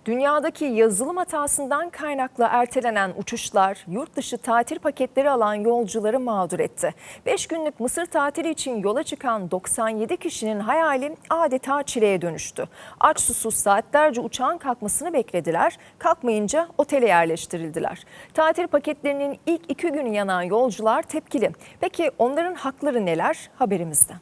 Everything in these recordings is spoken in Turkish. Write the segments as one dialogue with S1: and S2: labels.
S1: Dünyadaki yazılım hatasından kaynaklı ertelenen uçuşlar yurt dışı tatil paketleri alan yolcuları mağdur etti. 5 günlük Mısır tatili için yola çıkan 97 kişinin hayali adeta çileye dönüştü. Aç susuz saatlerce uçağın kalkmasını beklediler, kalkmayınca otele yerleştirildiler. Tatil paketlerinin ilk 2 günü yanan yolcular tepkili. Peki onların hakları neler? Haberimizde.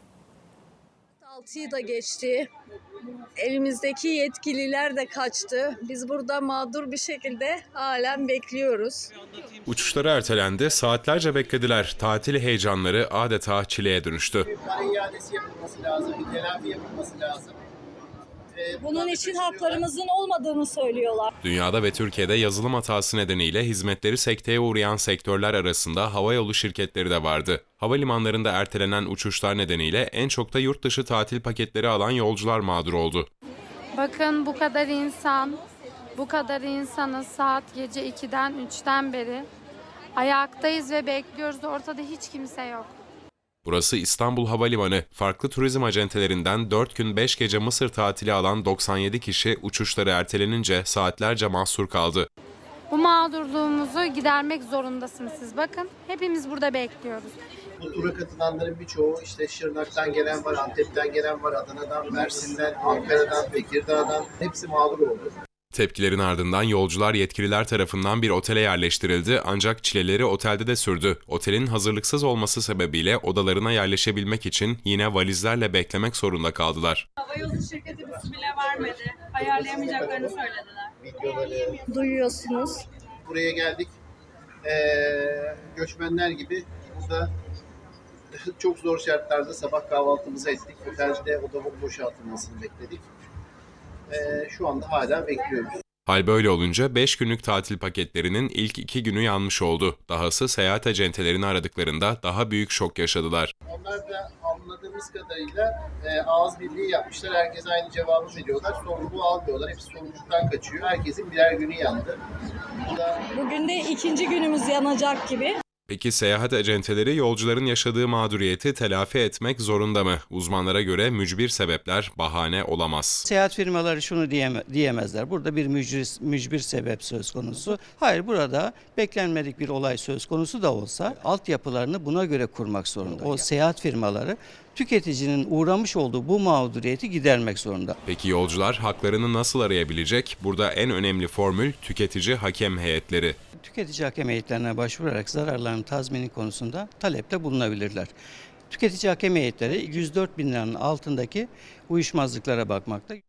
S2: 6'yı da geçti. Elimizdeki yetkililer de kaçtı. Biz burada mağdur bir şekilde halen bekliyoruz.
S3: Uçuşları ertelendi, saatlerce beklediler. Tatil heyecanları adeta çileye dönüştü.
S4: Para iadesi yapılması lazım, bir telafi yapılması lazım.
S2: Bunun için haklarımızın olmadığını söylüyorlar.
S3: Dünyada ve Türkiye'de yazılım hatası nedeniyle hizmetleri sekteye uğrayan sektörler arasında havayolu şirketleri de vardı. Havalimanlarında ertelenen uçuşlar nedeniyle en çok da yurt dışı tatil paketleri alan yolcular mağdur oldu.
S5: Bakın bu kadar insanız saat gece 2'den 3'ten beri ayaktayız ve bekliyoruz. Ortada hiç kimse yok.
S3: Burası İstanbul Havalimanı. Farklı turizm acentelerinden 4 gün 5 gece Mısır tatili alan 97 kişi uçuşları ertelenince saatlerce mahsur kaldı.
S5: Bu mağdurluğumuzu gidermek zorundasınız siz. Bakın hepimiz burada bekliyoruz.
S4: Bu tura katılanların birçoğu işte Şırnak'tan gelen var, Antep'ten gelen var, Adana'dan, Mersin'den, Ankara'dan, Tekirdağ'dan hepsi mağdur oldu.
S3: Tepkilerin ardından yolcular yetkililer tarafından bir otele yerleştirildi ancak çileleri otelde de sürdü. Otelin hazırlıksız olması sebebiyle odalarına yerleşebilmek için yine valizlerle beklemek zorunda kaldılar.
S6: Havayolu şirketi bizi bile vermedi. Ayarlayamayacaklarını söylediler.
S4: Videoları
S2: Duyuyorsunuz.
S4: buraya geldik. Göçmenler gibi burada çok zor şartlarda sabah kahvaltımızı ettik. Otelde oda boşaltılmasını bekledik. Şu anda hala bekliyoruz.
S3: Hal böyle olunca 5 günlük tatil paketlerinin ilk 2 günü yanmış oldu. Dahası seyahat acentelerini aradıklarında daha büyük şok yaşadılar.
S4: Onlar da anladığımız kadarıyla ağız birliği yapmışlar. Herkes aynı cevabı veriyorlar. Sorumluluğu almıyorlar. Hepsi sorumluluktan kaçıyor. Herkesin birer günü yandı.
S2: Bugün de 2. günümüz yanacak gibi.
S3: Peki seyahat acenteleri yolcuların yaşadığı mağduriyeti telafi etmek zorunda mı? Uzmanlara göre mücbir sebepler bahane olamaz.
S7: Seyahat firmaları şunu diyemezler. Burada bir mücbir sebep söz konusu. Hayır, burada beklenmedik bir olay söz konusu da olsa altyapılarını buna göre kurmak zorunda. O seyahat firmaları tüketicinin uğramış olduğu bu mağduriyeti gidermek zorunda.
S3: Peki yolcular haklarını nasıl arayabilecek? Burada en önemli formül tüketici hakem heyetleri.
S7: Tüketici hakem heyetlerine başvurarak zararların tazmini konusunda talepte bulunabilirler. Tüketici hakem heyetleri 104 bin liranın altındaki uyuşmazlıklara bakmakta.